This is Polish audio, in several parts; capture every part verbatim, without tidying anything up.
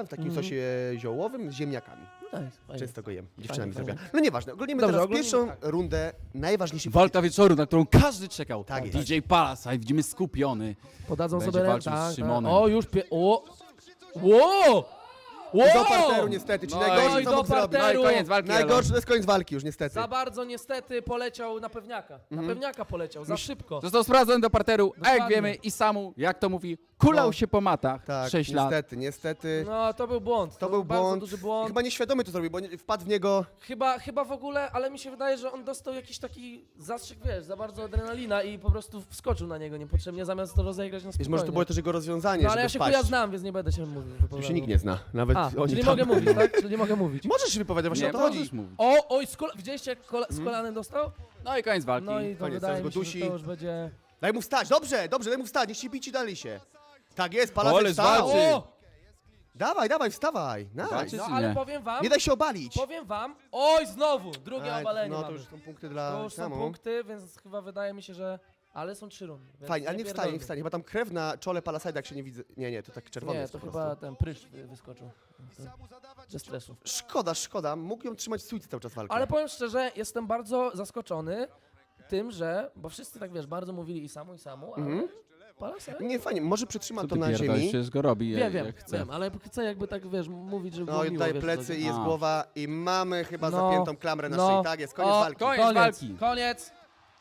w takim Mhm. sosie ziołowym z ziemniakami. No nice, fajnie. Często go jem, dziewczynami Fajnie, zrobię. No nieważne, oglądamy Dobrze, teraz oglądamy, pierwszą tak. rundę najważniejszych Walka wieczoru, na którą każdy czekał. Tak jest. D J Palasite, widzimy skupiony. Podadzą Będzie sobie walczył ręce. z Tak, tak. Szymonem. O, już pie... O! Wow! Wow! Do parteru niestety, czyli No i najgorsze do co mógł zrobić. parteru. No i koniec walki. Najgorsze to jest koniec walki już niestety. Za bardzo niestety poleciał na pewniaka. Na pewniaka poleciał, za szybko. Elo. Został sprowadzony do parteru, a jak Dokładnie. wiemy, i samu, jak to mówi, kulał No. się po matach. Tak, sześć lat. niestety, niestety. No, to był błąd. To był bardzo błąd. duży błąd. Chyba nieświadomy to zrobił, bo nie- wpadł w niego. Chyba, chyba w ogóle, ale mi się wydaje, że on dostał jakiś taki zastrzyk, wiesz, za bardzo adrenalina i po prostu wskoczył na niego niepotrzebnie, zamiast to rozegrać na Wiesz, spokojnie. może to było też jego rozwiązanie, No ale żeby ja się wpaść. chuja znam, więc nie będę się mówił. Tu się nikt nie zna, nawet A, oni czyli tam. mogę mówić, tak? Czyli mogę mówić. Możesz się wypowiadać, właśnie Nie o to chodzi. możesz mówić. O, oj, z kola... widzieliście jak kola... z kolanem dostał? No i koniec walki. No i to Koniec, wydaje teraz mi go się, że dusi. to już będzie... Daj mu wstać, dobrze, dobrze, daj mu wstać, niech się bici dalej się. Tak jest, Palasek Ole, wstał. zwalczy. O! Dawaj, dawaj, wstawaj. Walczy Nice. No czy ale nie? powiem wam, Nie daj się obalić. powiem wam, oj, znowu, drugie Aj, obalenie No to mamy. już są punkty dla To już są Samu. punkty, więc chyba wydaje mi się, że... Ale są trzy rundy. więc Fajnie, ale nie wstanie, nie pierdolmy. wstanie. Chyba tam krew na czole Palasajda, jak się nie widzę. Nie, nie, to tak czerwony Nie, jest to po chyba prostu. ten prysz wy- wyskoczył. Ze stresu. Szkoda, szkoda. Mógł ją trzymać w stójce cały czas walkę. Ale powiem szczerze, jestem bardzo zaskoczony tym, że, bo wszyscy tak wiesz, bardzo mówili i samu, i samu, ale Mhm. Palasaj... Nie, fajnie, może przytrzyma Co to ty na pierdolisz, ziemi. przecież go robi, Wiem, jak, wiem, jak chce. wiem, ale chcę jakby tak, wiesz, mówić, że było No i miło, tutaj wiesz, plecy co- i jest A. głowa i mamy chyba No, zapiętą klamrę na no. szyi. Tak jest, koniec O, walki. koniec walki. Koniec!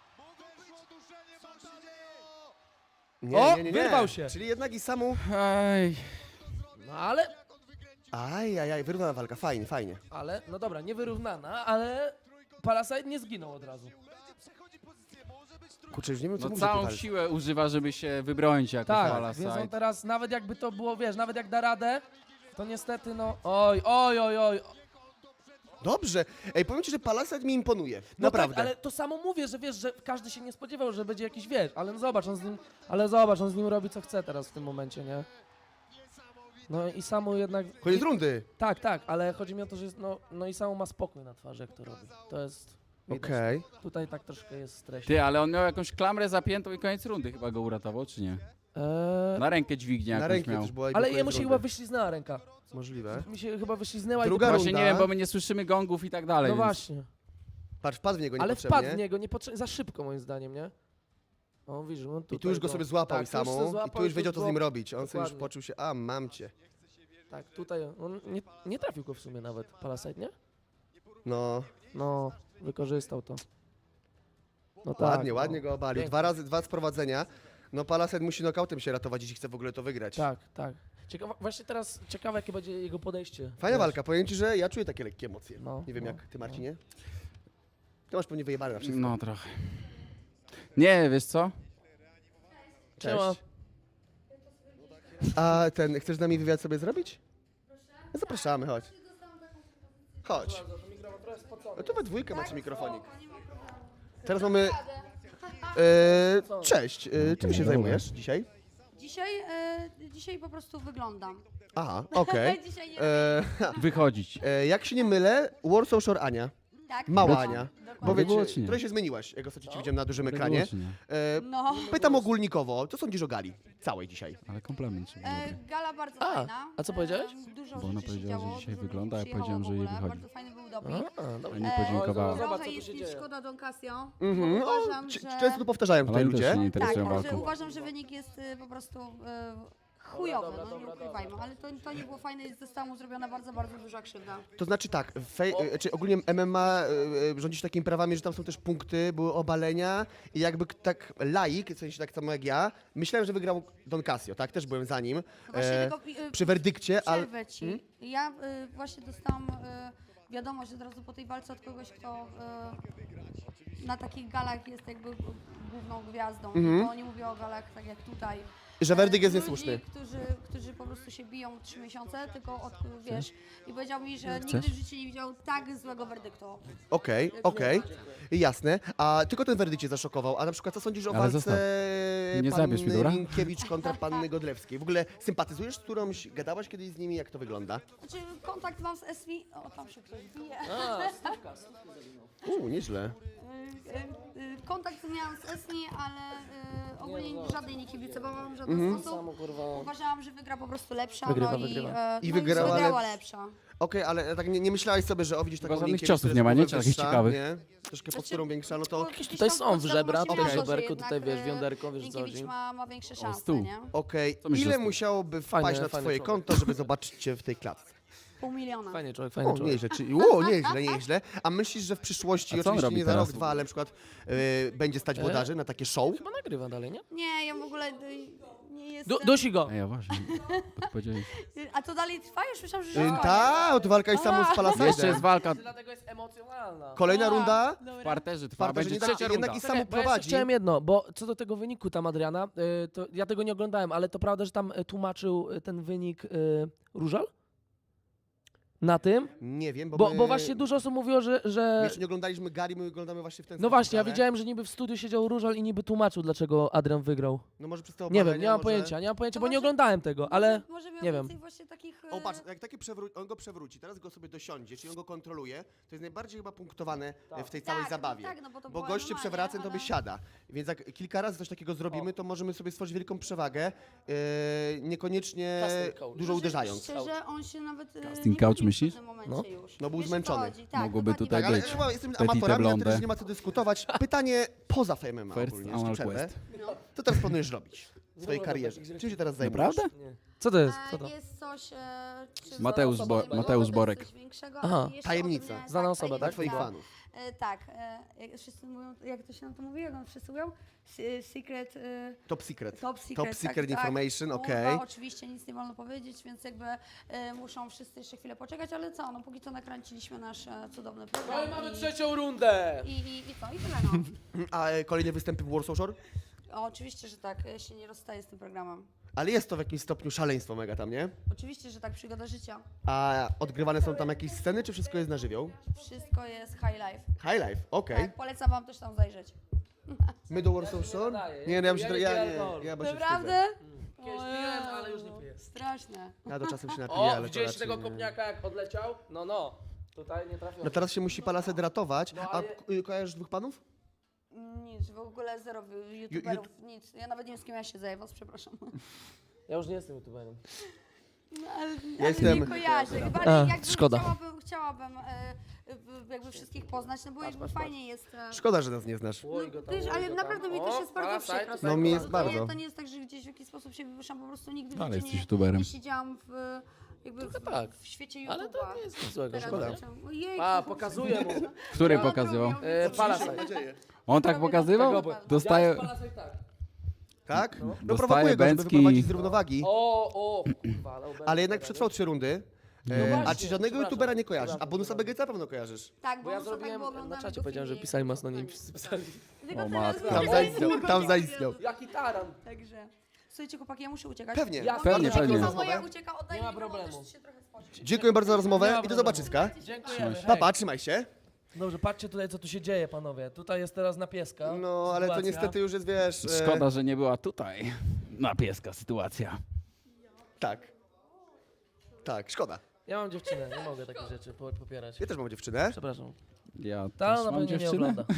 Nie, O, nie, nie, nie. wyrwał się. Czyli jednak i samu... Ej, No ale, Aj, aj, aj, wyrównana walka, fajnie, fajnie. ale, no dobra, niewyrównana, ale Palasite nie zginął od razu. Kurczę, już nie wiem, co no mówić. całą siłę używa, żeby się wybronić jako Tak, Palasite. więc on teraz, nawet jakby to było, wiesz, nawet jak da radę, to niestety, no, oj, oj, oj, oj. Dobrze. Ej, powiem ci, że Palasite mi imponuje. No Naprawdę. tak, ale to samo mówię, że wiesz, że każdy się nie spodziewał, że będzie jakiś, wiesz, ale no zobacz, on z nim, ale zobacz, on z nim robi co chce teraz w tym momencie, nie? No i Samu jednak... Koniec i, rundy. Tak, tak, ale chodzi mi o to, że jest, no, no i Samu ma spokój na twarzy, jak to robi. To jest... widać. Okej. Tutaj tak troszkę jest stres. Ty, ale on miał jakąś klamrę zapiętą i koniec rundy chyba go uratował, czy nie? Eee, Na rękę dźwignię Na jakąś rękę miał. też była i ale był jemu koniec się rundy. chyba wyśliznęła ręka. Możliwe. Mi się chyba wyśliznęła Druga i to... Właśnie runda. nie wiem, bo my nie słyszymy gongów i tak dalej. No więc- właśnie. Patrz, wpadł w niego Ale niepotrzebnie. wpadł w niego niepotrzebnie, za szybko moim zdaniem, nie? O, widzisz, on tutaj I tu już go sobie złapał tak, i tu już samą. se I złapał, tu już wiedział, co z nim było- robić. On sobie już Dokładnie. poczuł się, a mam cię. Tak, tutaj on nie, nie trafił go w sumie nawet, Palasite, nie? No, No, wykorzystał to. No tak, ładnie, no. ładnie go obalił. Pięknie. Dwa razy, dwa sprowadzenia. No Palasite musi nokautem się ratować, jeśli chce w ogóle to wygrać. Tak, tak. Ciekawa, właśnie teraz ciekawe, jakie będzie jego podejście. Fajna Wiesz. walka, powiem ci, że ja czuję takie lekkie emocje. No, Nie wiem no, jak ty, no. Marcinie. Ty masz pewnie wyjebane na wszystko. No trochę. Nie, wiesz co? Cześć. Siema. A ten, chcesz z nami wywiad sobie zrobić? No zapraszamy, chodź. Chodź. No to we dwójkę macie mikrofonik. Teraz mamy... E, cześć, e, czym się zajmujesz dzisiaj? Dzisiaj, e, dzisiaj po prostu wyglądam. Aha, okej. Dzisiaj nie E, Wychodzić. e, Jak się nie mylę, Warsaw Shore Ania. tak. Mała no, Ania. dokładnie. Powiedz, było, czy nie? trochę się zmieniłaś, jak ostatnio cię widziałem na dużym ekranie. Było, czy nie? E, No, Pytam ogólnikowo, co sądzisz o gali całej dzisiaj? Ale komplement. Czy e, gala bardzo A, fajna. a co powiedziałeś? E, dużo Bo ona rzeczy się powiedziała, że działo, dzisiaj dużo wygląda, a ja przyjechało powiedziałem, w że jej ogóle, wychodzi. Bardzo fajny był doping. A, dobra. Nie E, podziękowała. Zobacz, co Trochę tu jest się mi dzieje. szkoda Don Casio. Mhm. O, Uważam, c- że... Często to powtarzają tutaj Ale oni też ludzie. się nie Tak, interesują że walką. uważam, że wynik jest y, po prostu y, chujowy, dobra, no nie dobra, ukrywajmy, ale to, to nie było fajne i została mu zrobiona bardzo, bardzo duża krzywda. To znaczy tak, fej, e, czy ogólnie M M A e, e, rządzi się takimi prawami, że tam są też punkty, były obalenia i jakby k- tak laik, w sensie tak samo jak ja, myślałem, że wygrał Don Casio, tak? Też byłem za nim. Właśnie E, tylko, y, przy werdykcie, ale... Przerwę ci. Ja y, właśnie dostałam y, wiadomość od razu po tej walce od kogoś, kto y, na takich galach jest jakby główną gwiazdą. Mhm. To nie mówię o galach tak jak tutaj. Że werdykt jest Ludzi, niesłuszny. Którzy, którzy po prostu się biją trzy miesiące, tylko od, wiesz, i powiedział mi, że Chcesz? nigdy w życiu nie widział tak złego werdyktu. Okej, okej, jasne. A tylko ten werdykt cię zaszokował, a na przykład co sądzisz o Ale walce zostaw. Nie zabierz mi, panny dobra? Minkiewicz kontra panny Godlewskiej? W ogóle sympatyzujesz z którąś, gadałaś kiedyś z nimi, jak to wygląda? Znaczy kontakt mam z S V, o tam się ktoś bije. A, stówka, stówka zawinął. Uuu, nieźle. Y, y, y, Kontakt miałam z Esni, ale y, ogólnie żadnej nie kibicowałam, żadnej ten Mhm. sposób. Samo, kurwa. Uważałam, że wygra po prostu lepsza, Wygrywa, no i, wygrywa. e, I no wygrała wygrała lepsza. lepsza. Okej, ale tak nie, nie myślałeś sobie, że o widzisz taką Chyba żadnych Monikę, ciosów która nie ma, jest nie? trochę Czy takich wyższa, ciekawych? Nie? Troszkę Znaczy, posturą większa, no to... Gdzieś Tutaj tam są podstawowości żebra, miało tutaj to, że żeberko, jednak, tutaj wiesz, e, wiąderko, wiesz co Minkiewicz chodzi. ma, ma większe stół. szanse, nie? Okej, Co myślisz o ile tym? musiałoby wpaść Fajny, na fajny twoje człowiek. konto, żeby zobaczyć cię w tej klatce? Pół miliona. Fajnie człowiek, fajny O, człowiek. nieźle, czyli, o, nieźle, nieźle. A myślisz, że w przyszłości, A co on oczywiście robi nie za teraz rok, w dwa, ale na przykład y, będzie stać włodarzy na takie show? Chyba nagrywa dalej, nie? Nie, ja w ogóle y, nie jestem... Du dusi go! A ja właśnie, podpowiedziałeś. Y, A to dalej trwa? Już myślałam, że Y, już koniec. Ta, to walka jest samą z Jeszcze Palasajdem. jest walka Dlatego jest emocjonalna. Kolejna A, runda. dobra. w parterze, trwa, Parterze, będzie jednak- trzecia jednak runda. i- Czekaj, samo bo ja jeszcze prowadzi. chciałem jedno, bo co do tego wyniku tam Adriana, y, to ja tego nie oglądałem, ale to prawda, że tam y, tłumaczył y, ten wynik y, Różal? Na tym? Nie wiem, bo, Bo, my bo właśnie dużo osób mówiło, że... my że... jeszcze nie oglądaliśmy Gary, my oglądamy właśnie w ten No sposób, właśnie, ja ale- widziałem, że niby w studiu siedział Różal i niby tłumaczył, dlaczego Adrian wygrał. No może przez te Nie wiem, obalenia, nie mam może... pojęcia, nie mam pojęcia, To bo nie może- oglądałem tego, ale... Może, może miał nie wiem. więcej właśnie takich... e, O patrz, jak taki przewró- on go przewróci, teraz go sobie dosiądzie, czyli on go kontroluje, to jest najbardziej chyba punktowane e, w tej całej tak, zabawie. Tak, no bo to Bo było goście normalnie, przewraca, to by ale- siada. Więc jak kilka razy coś takiego zrobimy, to możemy sobie stworzyć wielką przewagę, e, niekoniecznie Casting couch. dużo uderzając. Szczerze, on się nawet e, Casting nie couch, bawił w myślisz? pewnym momencie No. już. No był Wiesz, o co zmęczony. chodzi? Tak, Mogłoby dokładnie tutaj Tak, ale być. chyba jesteśmy Petite amatorami, a blonde. teraz nie ma co dyskutować. Pytanie poza Fame M M A First ogólnie, Anal jeszcze przerwę. Quest. No. Co teraz planujesz robić w swojej Dużo karierze? takich rzeczy. Czym się teraz zajmujesz? Naprawdę? Nie. Co to jest? Co E, to? Jest coś... E, czy Mateusz znana Bo- osoba, Mateusz to Borek. jest coś większego, Aha. ale jeszcze Tajemnica. o tym nie- Znana tak, osoba, tak? Dla twoich tajemnica. fanów. E, tak, e, jak wszyscy mówią, jak to się nam to mówi, jak on wszyscy mówią? Se- Secret... E, Top secret. Top secret, Top tak, secret tak. information, Kurwa, okej. oczywiście nic nie wolno powiedzieć, więc jakby e, muszą wszyscy jeszcze chwilę poczekać, ale co, no póki co nakręciliśmy nasz e, cudowny No program. i mamy i, trzecią rundę! i, i, I co, i tyle no. A e, kolejne występy w Warsaw Shore? O, oczywiście, że tak, ja się nie rozstaję z tym programem. Ale jest to w jakimś stopniu szaleństwo mega tam, nie? Oczywiście, że tak, przygoda życia. A odgrywane są tam jakieś sceny, czy wszystko jest na żywioł? Wszystko jest high life. High life, okej. Tak, polecam wam też tam zajrzeć. My do Warsaw Shore? nadaję. Nie, no ja, bym się, Ja nie ja, piję nie, alkoholu. ja bo się Naprawdę? Kiedyś piłem, ale już nie piję. Straszne. wstydzę. Ja do czasem się napiję, O, ale to widzieliście raczej tego nie. kopniaka jak odleciał? No, no. Tutaj nie trafiłem. No teraz się musi Palased ratować. No, A ale- k- y, kojarzysz dwóch panów? Nic, w ogóle zero youtuberów, nic. Ja nawet nie wiem, z kim ja siedzę, was przepraszam. Ja już nie jestem youtuberem. No, ale, Ja ale jestem- nie kojarzę. Chyba, A, ale jakby szkoda. Chciałabym, chciałabym e, w- jakby wszystkich poznać, no bo jakby patrz, fajnie jest... E, Szkoda, że nas nie znasz. Oj, go tam, Wiesz, oj, ale go naprawdę tam. mi też O, jest bardzo Parasite, przykro. z No tego mi jest powodu. To bardzo. nie- To nie jest tak, że gdzieś w jakiś sposób się wywyższam, po prostu nigdy w Ale życiu jesteś nie, youtuberem. nie siedziałam w, jakby w, tak. w świecie YouTube'a. Ale to nie jest nic złego, Teraz szkoda. wracam. Ojejku. A, pokazuję mu. Który Ja- pokazywał? E, Palasite. On tak pokazywał? Tak, Dostaje... Palasite tak. Tak? No, Dostaje prowokuję go, żeby Bęcki. wyprowadzić z równowagi. O, o, kurwa, ale obecnie Ale jednak teraz, przetrwał trzy rundy. No E, a właśnie, czy żadnego przepraszam, youtubera nie kojarzysz? A przepraszam, bonusa przepraszam. B G C na pewno kojarzysz. Tak, Bo ja bo tak, zrobiłem, bo na oglądamy czacie go powiedziałem, że filmik. pisali mocno, nie pisali. Tylko O teraz matko. Tam wiem, zaistniał, że tam nie zaistniał. wiem. Jaki taran. Także. Słuchajcie, chłopaki, ja muszę uciekać. Pewnie. Ja- Bo Pewnie, on tak pewnie. samo jak ucieka, oddaję Nie ma mikrofon, problemu. też się trochę spoczy. Dziękuję bardzo za Nie rozmowę ma i do problemu. zobaczyska. Dziękujemy. hej. Papa, trzymaj się. Dobrze, patrzcie tutaj, co tu się dzieje, panowie. Tutaj jest teraz na pieska. No, ale to sytuacja. niestety już jest, wiesz... e, Szkoda, że nie była tutaj. Na pieska sytuacja. Tak. Tak, szkoda. Ja mam dziewczynę, nie mogę takich rzeczy po- popierać. Ja też mam dziewczynę. Przepraszam. Ja Ta też na mam pewno nie dziewczynę. ogląda.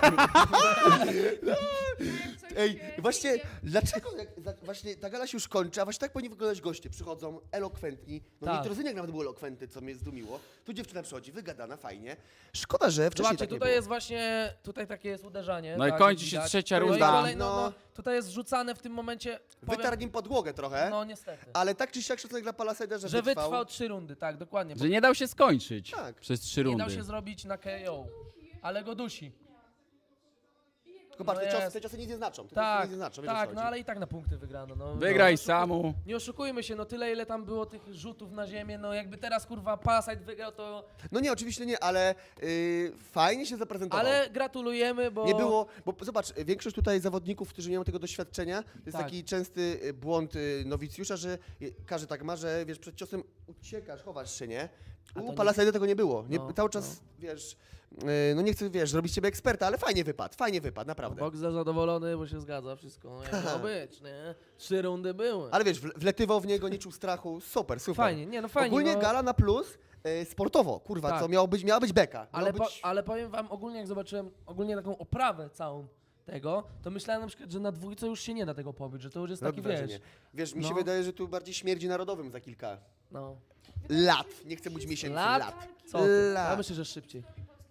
Ej, właśnie, dlaczego jak, za, właśnie ta gala się już kończy, a właśnie tak powinni wyglądać goście. Przychodzą elokwentni, no Tak. Nitrozyniak nawet był elokwentny, co mnie zdumiło. Tu dziewczyna przychodzi, wygadana, fajnie. Szkoda, że wcześniej Zobaczcie, tak nie tutaj było. jest właśnie, tutaj takie jest uderzanie. No i tak, kończy jak się widać. trzecia No i runda. kolej- no, No. no, tutaj jest wrzucane w tym momencie, powiem, Wytarł nim podłogę trochę, no niestety, ale tak czy siak szacunek dla Palaseda, że, że wytrwał. wytrwał trzy rundy, tak, dokładnie. Bo Że nie dał się skończyć Tak. przez trzy nie rundy. dał się zrobić na K O, ale go dusi. Tylko patrz, No te, ciosy, jest. te ciosy nic nie znaczą. Te ciosy Tak, nic nie znaczą, wiesz, o co tak, chodzi. no ale i tak na punkty wygrano. No, Wygraj no, samu. Nie oszukujmy się, no tyle ile tam było tych rzutów na ziemię, no jakby teraz kurwa Palasite wygrał, to... No nie, oczywiście nie, ale yy, fajnie się zaprezentował. Ale gratulujemy, bo... Nie było, bo zobacz, większość tutaj zawodników, którzy nie mają tego doświadczenia, to jest Tak. taki częsty y, błąd y, nowicjusza, że y, każdy tak ma, że wiesz, przed ciosem uciekasz, chowasz się, nie? A to U nie- Palasajda tego nie było. Nie, No, cały czas, wiesz, y, no nie chcę, wiesz, zrobić z ciebie eksperta, ale fajnie wypadł, fajnie wypadł, naprawdę. Boxer zadowolony, bo się zgadza wszystko, jak miało być, nie? Trzy rundy były. Ale wiesz, wle- wletywał w niego, nie czuł strachu, super, super. Fajnie, nie no fajnie. Ogólnie no, gala na plus, y, sportowo, kurwa, Tak. co miało być, miała być beka. Miało ale, po, być... ale powiem wam ogólnie, jak zobaczyłem ogólnie taką oprawę całą, tego, to myślałem na przykład, że na dwójce już się nie da tego pobić, że to już jest taki, Robi wiesz, wrażenie. Wiesz, mi się No. wydaje, że tu bardziej śmierdzi narodowym za kilka no. lat. Nie chcę mówić miesięcy, Lat? lat. Co ty? Ja Lat. myślę, że szybciej.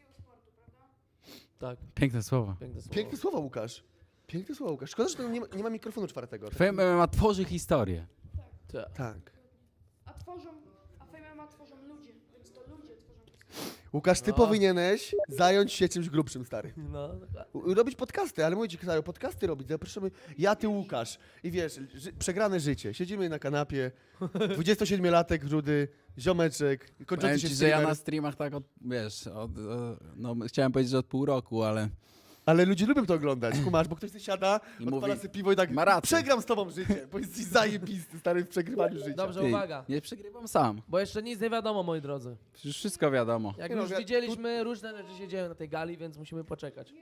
Tak, Piękne słowa. piękne słowo. Piękne słowa, Łukasz. Piękne słowa, Łukasz. Szkoda, że tu nie ma, nie ma mikrofonu czwartego. Fame M M A tworzy historię. Tak. Tak. A tworzą, a Fame M M A tworzą ludzie, więc to ludzie tworzą historię. Łukasz, ty No. powinieneś zająć się czymś grubszym, stary. No, dokładnie. U- Robić podcasty, ale mówię ci, Kajo, podcasty robić. Zapraszamy, ja, ty, Łukasz. I wiesz, ży przegrane życie. Siedzimy na kanapie, dwudziestosiedmiolatek, rudy, ziomeczek, Powiem kończący się ci, że ja streamer. na streamach tak od, wiesz, od, e, no chciałem powiedzieć, że od pół roku, ale Ale ludzie lubią to oglądać, kumasz, bo ktoś sobie siada, I odpala mówi, sobie piwo i tak, ma rację. przegram z tobą życie, bo jesteś zajebisty, stary, w przegrywaniu życia. Dobrze, Ty, uwaga, nie przegrywam sam. bo jeszcze nic nie wiadomo, moi drodzy. Przecież wszystko wiadomo. Jak Nie no, już wi- widzieliśmy, różne rzeczy się dzieją na tej gali, więc musimy poczekać.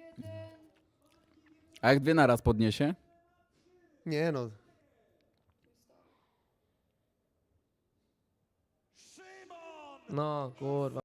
A jak dwie naraz podniesie? Nie no. No, kurwa.